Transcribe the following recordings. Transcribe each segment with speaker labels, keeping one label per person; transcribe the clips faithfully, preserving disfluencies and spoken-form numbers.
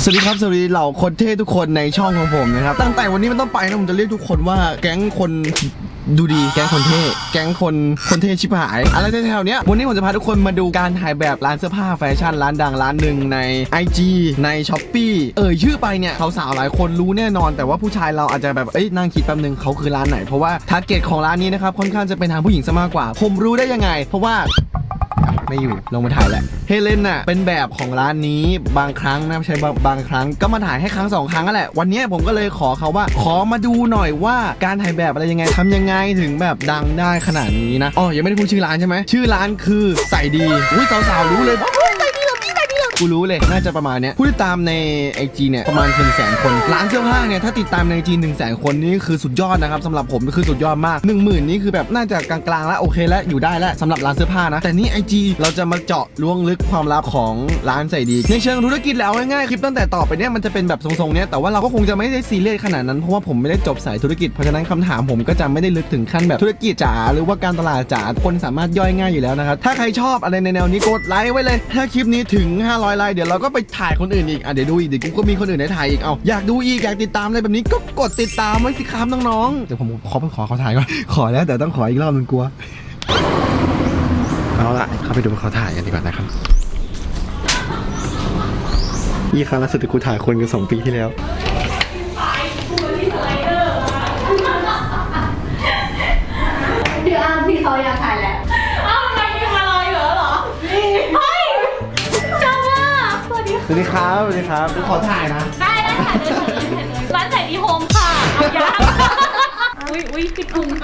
Speaker 1: สวัสดีครับสวัสดีเหล่าคนเท่ทุกคนในช่องของผมนะครับตั้งแต่วันนี้มันต้องไปนะผมจะเรียกทุกคนว่าแก๊งคนดูดีแก๊งคนเท่แก๊งคนคนเท่ชิบหายอะไรแถวๆเนี้ยวันนี้ผมจะพาทุกคนมาดูการถ่ายแบบร้านเสื้อผ้าแฟชั่นร้านดังร้านหนึ่งใน ไอ จี ใน ช้อปปี้ เอ่ยชื่อไปเนี่ยสาวๆหลายคนรู้แน่นอนแต่ว่าผู้ชายเราอาจจะแบบเอ้ยนั่งคิดแป๊บนึงเขาคือร้านไหนเพราะว่าทาร์เก็ตของร้านนี้นะครับค่อนข้างจะเป็นทางผู้หญิงซะมากกว่าผมรู้ได้ยังไงเพราะว่าไม่อยู่ลงมาถ่ายแหละเฮเลนน่ะเป็นแบบของร้านนี้บางครั้งนะไม่ใช่บางครั้งก็มาถ่ายให้ครั้งสองครั้งนั่นแหละวันนี้ผมก็เลยขอเขาว่าขอมาดูหน่อยว่าการถ่ายแบบอะไรยังไงทำยังไงถึงแบบดังได้ขนาดนี้นะอ๋อยังไม่ได้พูดชื่อร้านใช่ไหมชื่อร้านคือใส่ดีอุ้ยสาวๆรู้เลยกูรู้เลยน่าจะประมาณเนี้ยผู้ติดตามใน ไอ จี เนี่ยประมาณ หนึ่งแสน คนร้านเสื้อผ้าเนี่ยถ้าติดตามใน ไอ จี หนึ่งแสน คนนี่คือสุดยอดนะครับสำหรับผมคือสุดยอดมาก หนึ่งหมื่น นี่คือแบบน่าจะกลางๆแล้วโอเคแล้วอยู่ได้แล้วสำหรับร้านเสื้อผ้านะแต่นี่ ไอ จี เราจะมาเจาะล้วงลึกความลับของร้านใส่ดีในเชิงธุรกิจแล้วง่ายๆคลิปตั้งแต่ต่อไปเนี่ยมันจะเป็นแบบทรงๆเนี้ยแต่ว่าเราก็คงจะไม่ได้ซีเรียสขนาดนั้นเพราะว่าผมไม่ได้จบสายธุรกิจเพราะฉะนั้นคำถามผมก็จะไม่ได้ลึกถึงขั้นแบบธุรกิจจ๋าหรือว่าการตลาดจ๋าคนสามารถย่อยง่ายอยู่แล้วนะครับถ้าใครชอบอะไรในแนวนี้กดไลค์ไว้เลยถ้าคลิปนี้ถึงห้าร้อยไลค์เดี๋ยวเราก็ไปถ่ายคนอื่นอีกอ่ะเดี๋ยวดูอีกเดี๋ยวกูก็มีคนอื่นให้ถ่ายอีกเอาอยากดูอีกอยากติดตามอะไรแบบนี้ก็กดติดตามไว้สิครับน้องๆเดี๋ยวผมขอไปขอเขาถ่ายก่อนขอแล้วแต่ต้องขออีกรอบนึงกลัวเอาละเข้าไปดูเขาถ่ายกันดีกว่านะครับยี่ครั้งล่าสุดที่กูถ่ายคนกันสองปีที่แล้ว
Speaker 2: พี่อ้ามพี่เขาอยากถ่ายแหละอ้าวทำไมมีมารออยู่เหรอเฮ้ยจ้าว่าสวัสดี
Speaker 1: สวัสดีครับสวัสดีครับขอถ่ายนะ
Speaker 2: ได้ได้ค่ะได้ค่ะร้านใส่ดีโฮมค่ะเอายาอุ้ยอุ้ยปิดพุง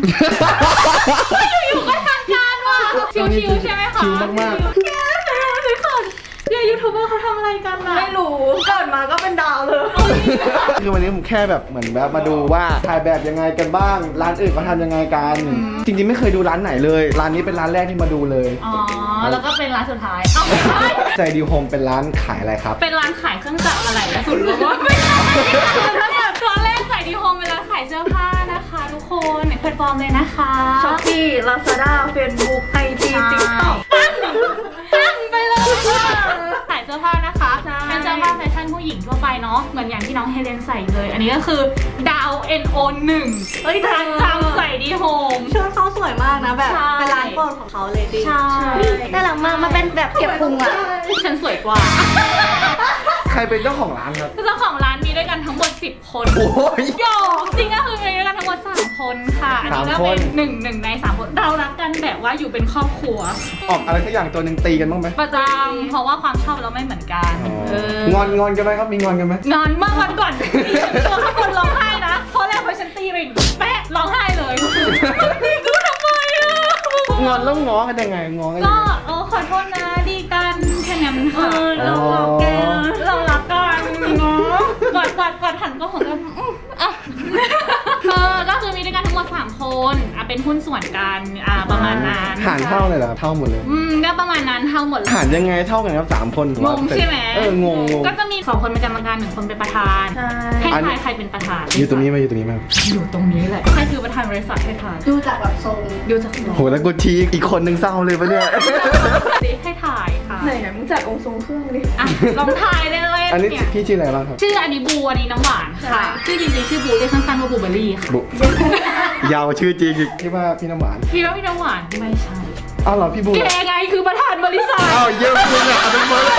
Speaker 2: อยู่ๆก็ทางการว่ะชิวๆใช่ไหมคะ
Speaker 1: ชิวมากๆ
Speaker 2: แกไหนมาสิค่ะเดี๋ยวยูทูบเบอร์เขาทำอะไรกันน่ะไม่รู้เกิดมาก็เป็นดาวเลย
Speaker 1: คือวันนี้ผมแค่แบบเหมือนแบบมาดูว่าถ่ายแบบยังไงกันบ้างร้านอื่นเขาทำยังไงกันจริงๆไม่เคยดูร้านไหนเลยร้านนี้เป็นร้านแรกที่มาดูเลย
Speaker 2: อ๋อแล้วก็เป็นร้านสุดท้ายเอ้าไม่ใช่
Speaker 1: ใจดีโฮมเป็นร้านขายอะไรครับ
Speaker 2: เป็นร้านขายเครื่องจักรอะไรและสุดรู้ว่าไม่ใช่คือถ้าแบบตอนแรกใส่ดีโฮมเป็นร้านขายเสื้อผ้านะคะทุกคนในแพลตฟอร์มเลยนะคะ
Speaker 3: ช้อปปี้ ลาซาด้า เฟซบุ๊ก ไอ จี ติ๊กต็อก
Speaker 2: ตั้งไปเลยขายเสื้อผ้านะคะเป็นเสื้อผ้าแฟชั่นผู้หญิงทั่วไปเนาะเหมือนอย่างที่น้องเฮเลนใส่เลยอันนี้ก็คือดาว เอ็น โอ หนึ่งเฮ้ยร้านจำใส่ดีโฮม
Speaker 3: ชุดเขาสวยมากนะแบบเป็นร้านโปรดของเขาเลยดิ
Speaker 2: ใช่
Speaker 3: น่ารักมากมันเป็นแบบเก็บพุงอ่ะ
Speaker 2: ฉันสวยกว่า
Speaker 1: ใครเป็นเจ้าของร้านครับ
Speaker 2: เจ้าของร้านมีด้วยกันทั้งหมดสิบคน
Speaker 1: โอ้ย
Speaker 2: โยจริงก็คือมีด้วยกันทั้งหมดสามคนค่ะอันนี้ก็เป็นหนึ่งหนึ่งในสามคนเรารักกันแบบว่าอยู่เป็นครอบครัว
Speaker 1: ออกอะไรสักอย่างตัวหนึ่งตีกันบ้างไหม
Speaker 2: ประจำเพราะว่าความชอบเราไม่เหมือนกัน
Speaker 1: งอนงอนกันไหมครับมีงอนกันไหม
Speaker 2: งอนมากวันก่อนตัวข้างบนร้องไห้นะเพราะแรกพอฉันตีไปแป๊ะร้องไห้เลยตีกูทำไมอ่ะ
Speaker 1: งอนแล้วง้อกันยังไงง้อกัน
Speaker 2: ก็เออขอโทษนะดีกันแค่นั้นค่ะเรารักกันเรารักกันเนาะกอดกอดกอดหันก็หันกันอ่ะเออก็คือมีด้วยกันทั้งหมดสามคนอ่ะเป็นหุ้นส่วนกันอ่าประมาณนั้น
Speaker 1: หารเท่าเลยเหรอเท่าหมดเลย
Speaker 2: อืมก็ประมาณนั้นเท่าหมด
Speaker 1: หารยังไงเท่ากันครับสามคน
Speaker 2: งงใช่ไหม
Speaker 1: เอองงง
Speaker 2: ก็จะมีสองคนเป็นกรรมการหนึ่งคนเป็นประธานให้ทายใครเป็นประธาน
Speaker 1: อยู่ตรงนี้ไหมอยู่ตรงนี้ไหม
Speaker 2: อยู่ตรงนี้แหละใครคือประธานบริษัทให้ทาย
Speaker 3: ดูจากแบบทรง
Speaker 2: ดูจากทรง
Speaker 1: โหแล้วกูทีอีกคนนึงเศร้าเลยปะเนี่ย
Speaker 2: ให้ถ่ายค่ะ
Speaker 3: ไหนไหนมึงจัดองค์ทรงเครื่องดิ
Speaker 2: อ่ะลองถ่ายเลยเลย
Speaker 1: อันนี้พี่ชื่ออะไรบ้างครับ
Speaker 2: ชื่ออันนี้บูอันนี้น้ำหวานค่ะชื่อจริงๆชื่อบูเรียกสั้นๆว่าบูเบอรี่ค่ะ
Speaker 1: ยาวชื่อจริงที่ว่าพี่น้ำหวาน
Speaker 2: พี่ว่าพี่น้ำหวานไม่ใช่
Speaker 1: อ้าวเหรอพี่บู
Speaker 2: แกไงคือประธานบริษัท
Speaker 1: อ้าวเยี่ยมจริงอ่ะเป็นเบอร์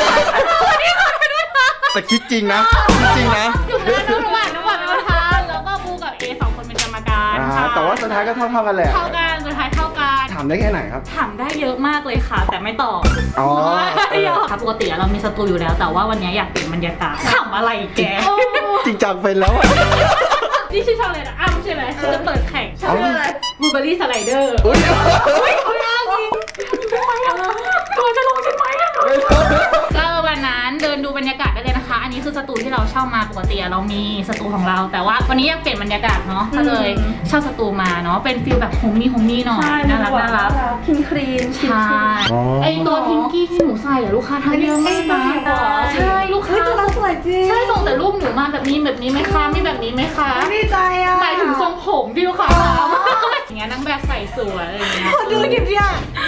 Speaker 1: แต่คิดจริงนะคิดจริงนะ
Speaker 2: อยู่นะน้ำหวานน้ำหวานเป็นประธานแล้วก็บูกับเอสองคนเป็นกรรมการค่ะ
Speaker 1: แต่ว่าสุดท้ายก็เท่าเท่ากันแหละ
Speaker 2: เท่ากันสุดท้ายเท่ากัน
Speaker 1: ถามได้แค่ไหนครับ
Speaker 2: ถามได้เยอะมากเลยค่ะแต่ไม่ตอบ
Speaker 1: อ๋อ
Speaker 2: ครับปกติเรามีสตูอยู่แล้วแต่ว่าวันนี้อยากเปลี่ยนบรรยากาศถามอะไรแก
Speaker 1: จริงจังไปแล้ว
Speaker 2: นี่ชื่อช่องอะไรนะอ้ำใช่ไหมฉันจะเปิดแข่งชื่ออะไรบูเบอรี่สไลเดอร์
Speaker 1: อุ้ย
Speaker 2: อุ้ยเขายากจริงตัวจะลงใช่ไหมก็วันนั้นเดินดูบรรยากาศได้เลยนะคะอันนี้คือสตูที่เราเช่ามาปกติเรามีสตูของเราแต่ว่าวันนี้อยากเปลี่ยนบรรยากาศเนาะก็เลยเช่าสตูมาเนาะเป็นฟิลแบบโฮมมี่โฮมมี่หน่อยน่ารักน่ารัก
Speaker 3: คินครีน
Speaker 2: ใช่ไอตัวพิงกี้ที่หนูใส่อะลูกค้าทำเยอะมากนะใช่ลูกค้า
Speaker 3: สวยจริง
Speaker 2: ใช่ส่งแต่รูปหนูมาแบบนี้แบบนี้ไหมคะมีแบบนี้ไหมคะ
Speaker 3: ดีใจอ่ะ
Speaker 2: หมายถึงทรงผมที่ลูกค้าอย่างเงี้ยนางแบบใส่สวยอะไรเงี้ย
Speaker 3: ดูดิบเนี่ย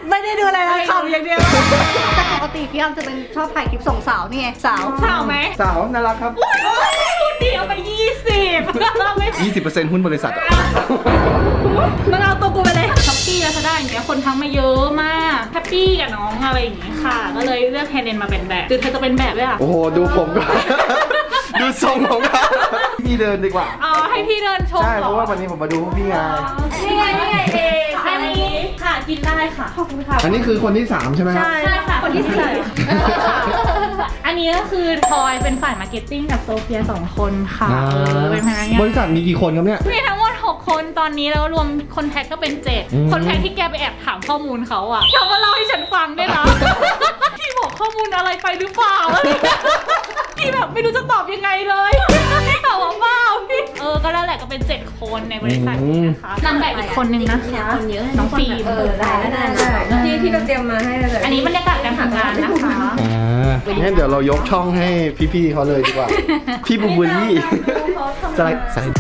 Speaker 3: ไม่ได้ดูอะไรเลยขำอย่างเดียว
Speaker 4: แต่ปกติพี่อ้ำจะเป็นชอบถ่ายคลิปส่งสาวนี่ไงสาว
Speaker 2: สาวไหม
Speaker 1: สาวน่ารักครับ
Speaker 2: คุณเดียวไปยี่สิบไม่
Speaker 1: ยี่สิบเปอร์เซ็นต์หุ้นบริษัทอะ
Speaker 3: มันเอาตัวกูไปเลย
Speaker 2: ช้อปปี้แล้วจะได้อย่างเงี้ยคนทักมาเยอะมากแฮปปี้กับน้องอะไรอย่างงี้ค่ะ ก็เลยเลือกเฮเลนมาเป็นแบบคือเธอจะเป็นแบบด้วยอ่ะ
Speaker 1: โอ้โหดูผมก่อน ดูทรงของเขาพี่เดินดีกว่า
Speaker 2: อ๋อให้พี่เดินชม
Speaker 1: ใช่
Speaker 2: เห
Speaker 1: เพ
Speaker 2: รอ
Speaker 1: ราะว่าวันนี้ผมมาดูพี่ไง
Speaker 2: นี่ไงนี่ไงเองอันนี้ค่ะกินได้ค่ะขอบคุณค่ะ
Speaker 1: อันนี้คือคนที่สามใช่ไหมครับ
Speaker 3: ใช่
Speaker 2: ใช่ค่ะ
Speaker 3: คนที่สี่
Speaker 2: อันนี้ก็คือทอยเป็นฝ่ายมาร์เก็ตติ้งกับโซเฟียสองคนค่ะ
Speaker 1: อ่า
Speaker 2: เออเป็นพนักงาน
Speaker 1: บริษัทมีกี่คนครับเนี่ย
Speaker 2: มีทั้งหมดหกคนตอนนี้แล้วรวมคนแท็กก็เป็นเจ็ด
Speaker 1: อืม
Speaker 2: คนแท็กที่แกไปแอบถามข้อมูลเขาอะเขามาเล่าให้ฉันฟังด้วยนะ พี่บอกข้อมูลอะไรไปหรือเปล่าอะไรอย่างเงี้ยพี่แบบไม่รู้จะตอบยังไงเลยตอบว่าเปล่าพี่เออก็แล้วแหละก็เป็นเจ็ดคนในบริษัทนี้นะคะนางแบบอีกคนนึงนะคะน้องฟิล์ม
Speaker 4: เออได้ได้ได้
Speaker 3: ที่ที่เราเตรียมมาให้เลย
Speaker 2: อันนี้บรรยากาศการทำงานนะคะ
Speaker 1: อ่างั้นเดี๋ยวเรายกช่องให้พี่ๆเขาเลยดีกว่า พี่บูบูลี่สไลด์สไลด์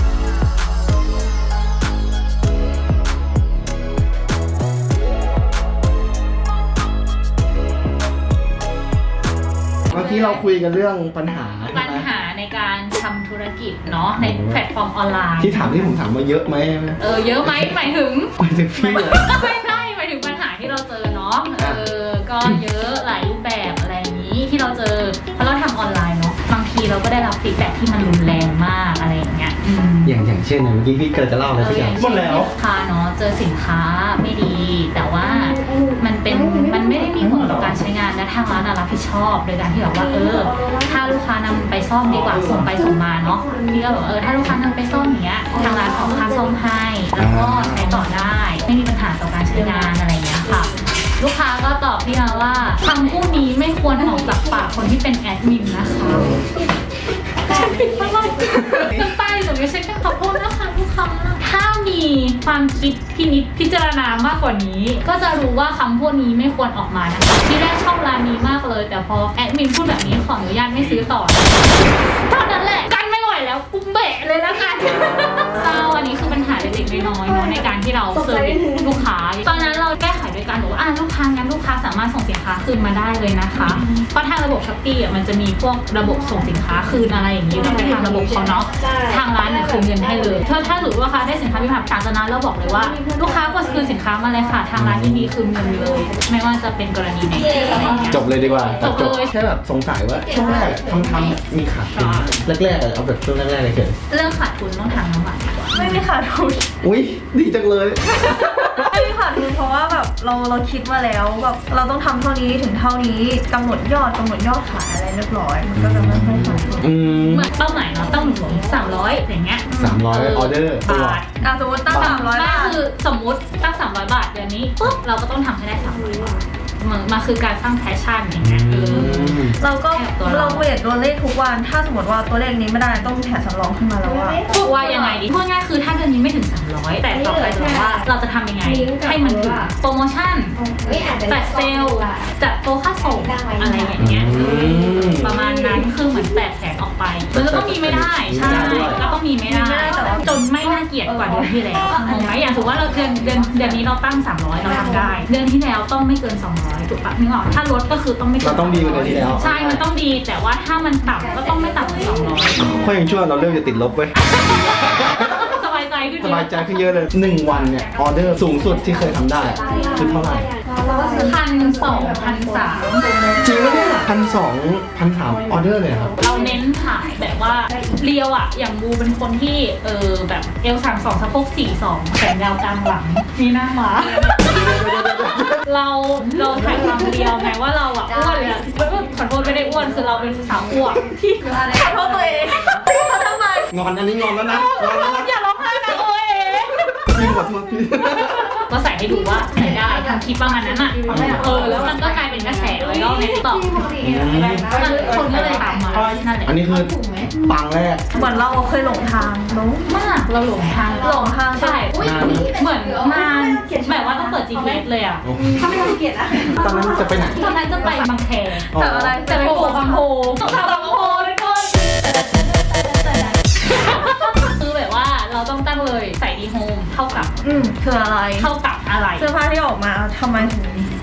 Speaker 1: เมื่อกี้เราคุยกันเรื่องปัญหา
Speaker 2: ปัญหาในการทำธุรกิจเนาะในแพลตฟอร์มออนไลน์
Speaker 1: ที่ถามที่ผมถามว่าเยอะไหม
Speaker 2: เออเยอะไหมหมายถึง
Speaker 1: หมายถึงพี่อะ
Speaker 2: ไม่ใช่หมายถึงปัญหาที่เราเจอเนาะเออก็เยอะหลายรูปแบบอะไรอย่างนี้ที่เราเจอเพราะเราทำออนไลน์เนาะบางทีเราก็ได้รับฟีดแบ็กที่มันรุนแรงมากอะไรอย่างเงี้ยอืม
Speaker 1: อย่างอย่างเช่นเมื่อกี้พี่เกิดจะเล่าอะไรสักอย่าง
Speaker 2: เช่นลูกค้าเนาะเจอสินค้าไม่ดี แต่ว่ามันเป็นมันไม่ได้มีผลต่อการใช้งานและทางร้านอะรับผิดชอบ โดยการที่แบบว่าเออ ถ้าลูกค้านำไปซ่อมดีกว่าส่งไปส่งมาเนาะพี่ก็บอกเออถ้าลูกค้านำไปซ่อมอย่างเงี้ยทางร้านออกค่าซ่อมให้แล้วก็ใช้ต่อได้ไม่มีปัญหาต่อการใช้งานอะไรอย่างเงี้ยค่ะ ลูกค้าก็ตอบพี่มาว่าคำพูดนี้ไม่ควรออกจากปากคนที่เป็นแอดมินนะคะฉันผิดอะไรน้ำตาหนูไม่ใช่แค่ขอโทษนะคะทุกคำถ้ามีความคิดพินิจพิจารณามากกว่านี้ ก็จะรู้ว่าคำพูดนี้ไม่ควรออกมานะคะที่แรกชอบร้านนี้มากเลย แต่พอแอดมินพูดแบบนี้ขออนุญาตไม่ซื้อต่อเท่านั้นแหละกันไม่ไหวแล้วกูเบะเลยละกันเศร้าอันนี้คือปัญหาเล็กๆน้อยๆเนาะในการที่เราเซอร์วิสลูกค้าตอนนั้นเราแก้ไขโดยการบอกว่าอ่ะลูกค้างั้นลูกค้าสามารถส่งสินค้าคืนมาได้เลยนะคะเพราะทางระบบช้อปปี้อ่ะมันจะมีพวกระบบส่งสินค้าคืนอะไรอย่างนี้เราไปทางระบบเขาเนาะทางร้านเนี่ยคืนเงินให้เลยถ้าถ้าหรือว่าลูกค้าได้สินค้ามีปัญหาจากนั้นเราบอกเลยว่าลูกค้าควรคืนสินค้ามาเลยค่ะทางร้านยินดีคืนเงินเลย ไม่ว่าจะเป็นกรณีไหนอะไรอย่างเงี้ย
Speaker 1: จบเลยดีกว่า
Speaker 2: จบเลย
Speaker 1: แค่แบบสงสัยว่าช่วงแรกทำทำมีขาดทุนแรกๆอะเอาแบบช่วงแรกๆเลยเฉย
Speaker 2: เรื่องขาดทุนต้องถามน้ำหวานดีกว่า
Speaker 3: ไม่มีขาดทุน
Speaker 1: อุ้ยดีจังเลย
Speaker 3: ไม่มีขาดทุนเพราะว่าแบบเราเราคิดมาแล้วแบบเราต้องทำเท่านี้ถึงเท่านี้กำหนดยอดกำหนดยอดขายอะไรเรียบร้อยมันก็จะไม่ค่อยขาดทุน
Speaker 1: อืม
Speaker 2: เหมือนเป้าหมายเนาะต้องถึงสามร้อยอย่างเงี้ย
Speaker 1: สามร้อยออเดอร์
Speaker 2: บาท
Speaker 3: อ่ะสมมติตั้งสามร้อย
Speaker 2: ไม่
Speaker 3: บาท
Speaker 2: คือสมมุติตั้งสามร้อยบาทเดือนนี้ปุ๊บเราก็ต้องทำให้ได้สามร้อยบาทมันมาคือการสร้างแพชชั่นอย่างเงี้ยเออ
Speaker 3: เราก็
Speaker 2: แอบตัวเรา
Speaker 3: เราเวทตัวเลขทุกวัน ถ้าสมมติว่าตัวเลขนี้ไม่ได้ต้องแถมสำรองขึ้นมาแล้วว่า
Speaker 2: พูดว่ายังไงดีพูดง่ายคือถ้าเดือนนี้ไม่ถึงสามร้อยแต่ต่อไปจะบอกว่าเราจะทำยังไงให้มันถึงโปรโมชั่นจัดเซลล์จัดโปรค่าส่งอะไรอย่างเงี้ย
Speaker 1: อืม
Speaker 2: ประมาณนั้นคือเหมือนแตกแสนออกไปมันก็ต้องมีไม่ได้ใช่ก็ต้องมีไม่ได้จนไม่น่าเกลียดกว่าเดือนที่แล้วงงไหมอย่างสมมติว่าเราเดือนเดือนเดือนนี้เราตั้งสามร้อยเราทำได้ เดือนที่แล้วต้องไม่เกินสองร้อยถูกปะนึกออกถ้าลดก็คือต้องไม่เกิน
Speaker 1: เราต้องดีกว่าเดือนที่แล้ว
Speaker 2: ใช่มันต้องดีแต่ว่าถ้ามันต่ำก็ต้องไม่ต่ำกว่าสองร้อย
Speaker 1: ค่อยยังชั่วเราเริ่มจะติดลบเว้ย
Speaker 2: สบายใจขึ้น
Speaker 1: สบายใจขึ้นเยอะเลยหนึ่งวันเนี่ยออเดอร์สูงสุดที่เคยทำได้คือเท่าไหร่
Speaker 2: พันสองพันสาม
Speaker 1: จริงไหมเนี่ยพันสองพันสามออเดอร์เลยครับ
Speaker 2: เราเน้นขายแบบว่าเรียวอะอย่างบูเป็นคนที่เออแบบเอลสามสองสะโพกสี่สองแขนยาวกลางหลังมีหน้าหมา เราเราถ่ายความเรียวไงว่าเราอะอ้วนเลยอะขอโทษไม่ได้อ้วนคือเราเป็นสาวอ้วนที่
Speaker 3: ขอโทษตัวเองเขาทำไม
Speaker 1: งอนอันนี้งอนแล้วนะงอนแล้วนะ
Speaker 2: อย่าร้องไห้นะโอ้ย
Speaker 1: พี่ขอโทษพี่
Speaker 2: ก็ใส่ให้ดูว่าใส่ได้ทำคลิปประมาณนั้นอ่ะเออแล้วมันก็กลายเป็นกระแสไวรัลในติ๊กต็อกคนก็เลยตามมานั่นแหละ
Speaker 1: อันนี้คือปังแรก
Speaker 3: เหมือนเราเคยหลงทางหลง
Speaker 2: มากเราหลงทาง
Speaker 3: หลงทาง
Speaker 2: ใช่
Speaker 1: นาน
Speaker 2: เหมือนนานแบบว่าต้องเปิด จี พี เอส เลยอ่ะ
Speaker 4: ถ้าไม่ต้องเกลียดอะ
Speaker 1: ตอนนั้นจะไปไหน
Speaker 2: ตอนนั้นจะไปบางแค
Speaker 3: แต่อะไร
Speaker 2: จะไปโผล่บางโพสงขลาบางโพทุกคนคือแบบว่าเราต้องตั้งเลยใส่ดีโฮมเท่ากับ
Speaker 3: อืมคืออะไร
Speaker 2: เท่ากับอะไร
Speaker 3: เสื้อผ้าที่ออกมาทำไมถึง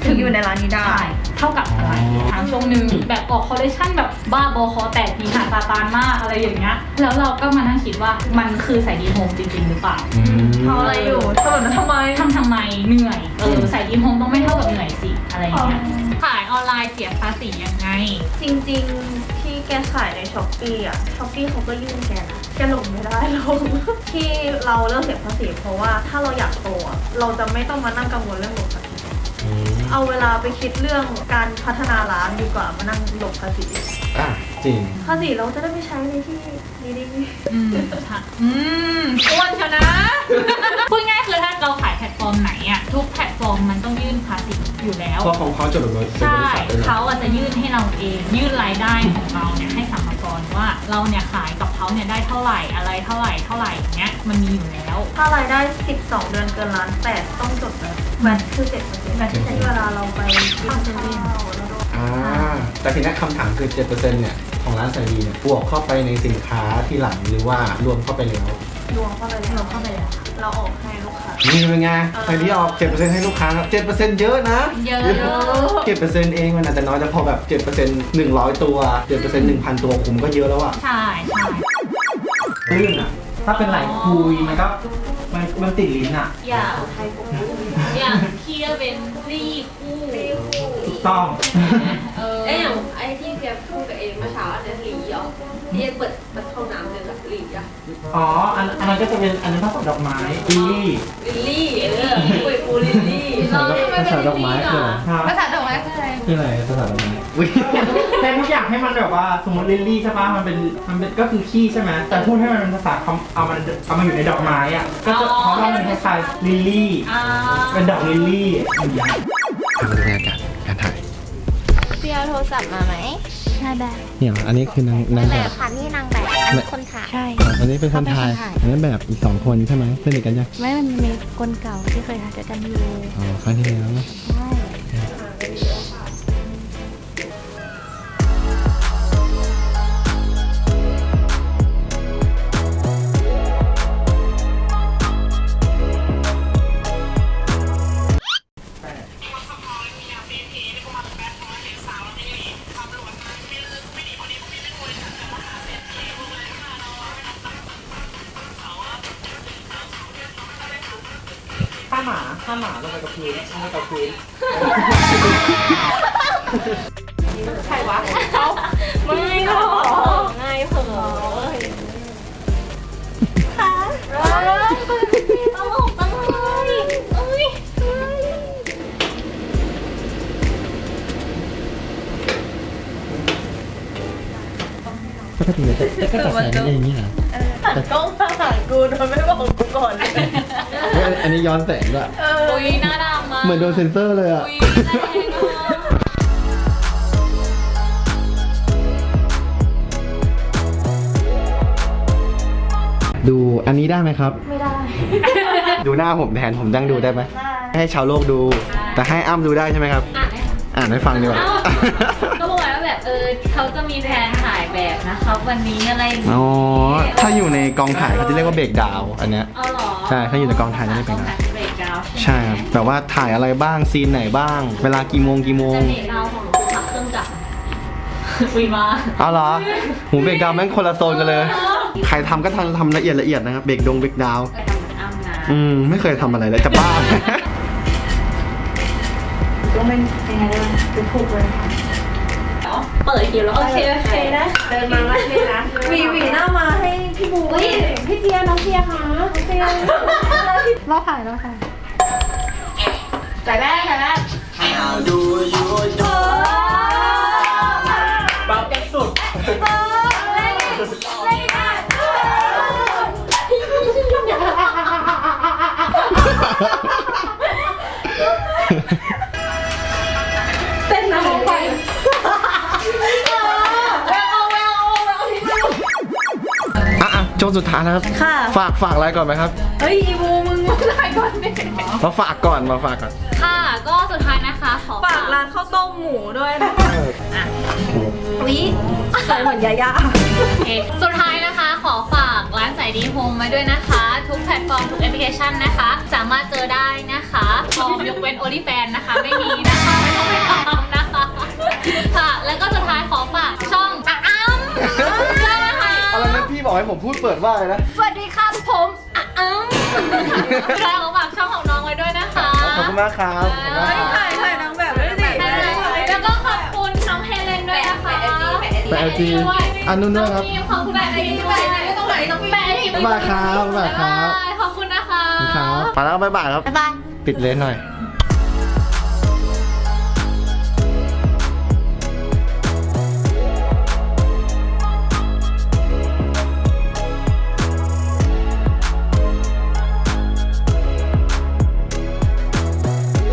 Speaker 3: ถึงอยู่ในร้านนี้ได้
Speaker 2: ใช่เท่ากับอะไรทางช่วงหนึ่งแบบออกคอลเลคชันแบบบ้าบอคอแตกผีหาซาตานมากอะไรอย่างเงี้ยแล้วเราก็มานั่งคิดว่ามันคือใส่ดีโฮมจริงๆหรือเปล่า
Speaker 3: ทำอะไรอยู่ทำแบบนั้นทำไม
Speaker 2: ทำทำไมเหนื่อยเออใส่ดีโฮมต้องไม่เท่ากับเหนื่อยสิอะไรอย่างเงี้ยขายออนไลน์เสียภาษียังไง
Speaker 3: จริงๆที่แกขายในช้อปปี้อ่ะช้อปปี้เขาก็ยื่นแกนะแกหลงไม่ได้หรอกที่เราเลิกเสียภาษีเพราะว่าถ้าเราอยากโตอะเราจะไม่ต้องมานั่งกังวลเรื่องหลบภาษีเอาเวลาไปคิดเรื่องการพัฒนาร้านดีกว่ามานั่งหลบภาษี
Speaker 1: อ่ะจริง
Speaker 3: ภาษีเราจะได้ไปใช้ในที่ดี
Speaker 2: อืมค่ะอืมอ้วนเชียวนะ พูดง่ายคือถ้าเราขายแพลตฟอร์มไหนอะทุกแพลตฟอร์มมันต้องยื่นภาษีอยู่แล้ว
Speaker 1: เพราะของเขาจดทะเบียน
Speaker 2: ใช่ เขาอาจจะยื่นให้เราเอง ยื่นรายได้ของเราเนี่ยให้สรรพากรว่าเราเนี่ยขายกับเขาเนี่ยได้เท่าไหร่อะไรเท่าไหร่เท่าไหร่อย่างเงี้ยมันมีอยู่แล้ว
Speaker 3: ๆถ้ารายได้สิบสองเดือนเกินล้านแปดต้องจดเลยแบตคือเจ็ดเปอร์เซ็นต์แบตที่ใช้เวลาเราไปกินเซเว่นแล้วก็
Speaker 1: อ่าแต่ทีนี้คำถามคือ เจ็ดเปอร์เซ็นต์ เนี่ยของร้านใส่ดีเนี่ยบวกเข้าไปในสินค้าที่หลังหรือว่ารวมเข้าไปแล้ว
Speaker 3: รวมเข้าไปแล้ว
Speaker 2: รวมเข้าไปแล้ว
Speaker 3: เราออกให้ลูกค้า
Speaker 1: นี่เป็นไงใส่ดีออก เจ็ดเปอร์เซ็นต์ ให้ลูกค้าครับ เจ็ดเปอร์เซ็นต์ เยอะนะ
Speaker 2: เยอะ
Speaker 1: เจ็ดเปอร์เซ็นต์ เองมันอาจจะน้อยแต่พอแบบ เจ็ดเปอร์เซ็นต์ หนึ่งร้อย ตัว เจ็ดเปอร์เซ็นต์ หนึ่งพัน ตัวคุมก็เยอะแล้วอะ
Speaker 2: ใช่ใช่
Speaker 5: ลื่นอ่ะ ถ้าเป็นไหลคุยมันก็มันมันติดลิ้นอ่ะ
Speaker 2: อย่างอย่างที่เป็นรี่คู่
Speaker 5: ถูกต้อง
Speaker 2: เออ
Speaker 6: ไอ้อย่างไอ้ที่แกพูดกับเองเมื่อเช้าอันนี้หลีเหรอที่เปิดเปิดห้องน้ำเลยแบบหลีอ่ะ
Speaker 5: อ๋อ อันอันนั้นก็จะเป็นอันนั้นภาษาดอกไม้ลิลลี่
Speaker 6: ลิลลี่เออปุยปูลิลลี่
Speaker 2: เราทำไมเป็นรี่อ่ะ
Speaker 5: ครับ
Speaker 2: ภาษาดอกไม้คืออะไร
Speaker 5: คืออะไรภาษาดอกไม้แต่ทุกอย่างให้มันแบบว่าสมมติลิลลี่ใช่ปะมันเป็นมันเป็นก็คือขี้ใช่ไหมแต่พูดให้มันเป็นภาษาคำเอามันเอามันอยู่ในดอกไม้อ่ะก็จะเพราะว่ามันคล้ายๆลิลลี่
Speaker 2: อ่า
Speaker 5: เป็นดอกลิลลี่อย่างเงี้ย
Speaker 1: มาดูบรรยากาศการถ่าย
Speaker 7: พี่เอาโทรศัพท์มาไหมนายแบบ
Speaker 1: เนี่ยอันนี้คือนางนาง
Speaker 7: แบ
Speaker 1: แบบ
Speaker 7: บค่ะนี่นางแบบอันนี้คนถ่ายใช่
Speaker 1: อันนี้เป็นคนถ่าย
Speaker 7: เขาเป็นคนถ่าย
Speaker 1: อันนี้แบบอีกสองคนใช่ไหมสนิทกันยัง
Speaker 7: ไม่มันมีคนเก่าที่เคยถ่ายด้วยกันอยู่
Speaker 1: อ๋อครั้งที่แล้วนะ
Speaker 7: ใช่
Speaker 5: ถ้าหมาถ้าหมาลงไปกับพื้นลงไปกับพื้น
Speaker 6: ใครวะเขาไม่หรอกง่ายเผลอค่ะตลกจังเลยเอ้ย
Speaker 1: ปกติจะก็จะแสงอย่างนี้เหรอ
Speaker 3: หันกล้องมาหากูโดยไม่บอกกูก่อนเลย
Speaker 1: อันนี้ย้อนแสงด้วย
Speaker 2: อุ้ยหน้าดำมาก
Speaker 1: เหมือนโดนเซ็นเซอร์เลยอะ
Speaker 2: อุ้ยแรงอ่ะ
Speaker 1: ดูอันนี้ได้ไหมครับ
Speaker 3: ไม่ได้
Speaker 1: ดูหน้าผมแทนผมดังดูได้ไหม
Speaker 3: ได้
Speaker 1: ให้ชาวโลกดู แต่ให้อ้ำดูได้ใช่ไหมครับ อ่านให้ฟังดีกว่า
Speaker 2: ก็บอกว่าแบบเออเขาจะมีแผนถ่ายแบบนะครับวันนี้อะไรอย่าง
Speaker 1: อ๋
Speaker 2: งี้
Speaker 1: อ ถ้าอยู่ในกองถ่ายเขาจะเรียกว่าเบรกดาวน์อันเนี้ย
Speaker 2: เอาเหรอ
Speaker 1: ใช่ถ้าอยู่ในกองถ่ายจะเรียกเป็น
Speaker 2: กองถ่ายเบรกดาวน์
Speaker 1: ใช่ครับแบบว่าถ่ายอะไรบ้างซีนไหนบ้าง เวลากี่โมงกี่โมง
Speaker 2: แต่เบรกดาวน์ของหนูคือพักเครื่องจักรอุ้ยมา
Speaker 1: เอาเหรอหูเบรกดาวน์แม่งคนละโซนกันเลย ใครทำก็ทำทำละเอียดละเอียดนะครับ เบรกดงเบรกดาวน์
Speaker 2: เคยทำเหมือนอ้ำนะ
Speaker 1: อืมไม่เคยทำอะไรเลยจะบ้า
Speaker 3: ก็ไม่ยังไงด้วยดูถูกเลยค่ะ
Speaker 2: เปิดคิวแล้ว
Speaker 3: โอเคโอเคนะ
Speaker 6: เดินมาว่าใช่นะ
Speaker 3: หวีหวีหน้ามาให้พี่บู
Speaker 6: อุ้ยพี่เทียน้องเทียค่ะ
Speaker 3: เตียง
Speaker 4: เราถ่ายเราถ่าย
Speaker 6: ใส่แว่นใส่แว่น
Speaker 5: เบากันสุด
Speaker 6: เต้นนะลงไป
Speaker 1: อ่ะอ่ะโจนสุดท้ายนะครับ
Speaker 3: ค่ะ
Speaker 1: ฝากฝากอะไรก่อนไหมครับ
Speaker 3: เฮ้ยอีบูมึงมาได้ก่อนดิ
Speaker 1: มาฝากก่อนมาฝากก่อน
Speaker 2: ค่ะก็สุดท้ายนะคะขอ
Speaker 3: ฝากร้านข้าวต้มหมูด้วยนะวิ
Speaker 4: ใส่เหมือนยาย่า
Speaker 2: โอเคสุดท้ายนะคะขอฝากร้านสายดีโฮมไว้ด้วยนะคะ ทุกแพลตฟอร์มทุกแอปพลิเคชันนะคะ สามารถเจอได้นะคะพร้อมยกเว้น OnlyFans นะคะ ไม่มีนะคะไม่ต้องไปตามนะคะค่ะแล้วก็สุดท้ายขอฝากช่องอ่ะอ้ำด้วยนะคะ
Speaker 1: อะไรนะพี่บอกให้ผมพูดเปิดว่าอะไรนะ
Speaker 2: สวัสดีครับผมอ่ะอ้ำใช่ขอฝากช่องของน้องไว้ด้วยนะคะ
Speaker 1: ขอบคุณมากครับขอบคุณมากครับ
Speaker 3: ถ่ายถ่ายนางแบบด้วยสิ
Speaker 2: แล้วก็ขอบคุณน้องเฮเลนด้วยนะคะ
Speaker 1: แปะไอจีอันนู้นด้วยครับ
Speaker 2: ขอบคุณแปะไอจีด้วยไม่ต้องไหนต้องแปะไอจี
Speaker 1: บ๊ายบายครับบ๊ายบายครับ
Speaker 2: ขอบคุณนะคะ
Speaker 1: ครับไปแล้วบ๊ายบายครับ
Speaker 7: บ๊ายบาย
Speaker 1: ปิดเลนหน่อย
Speaker 2: บ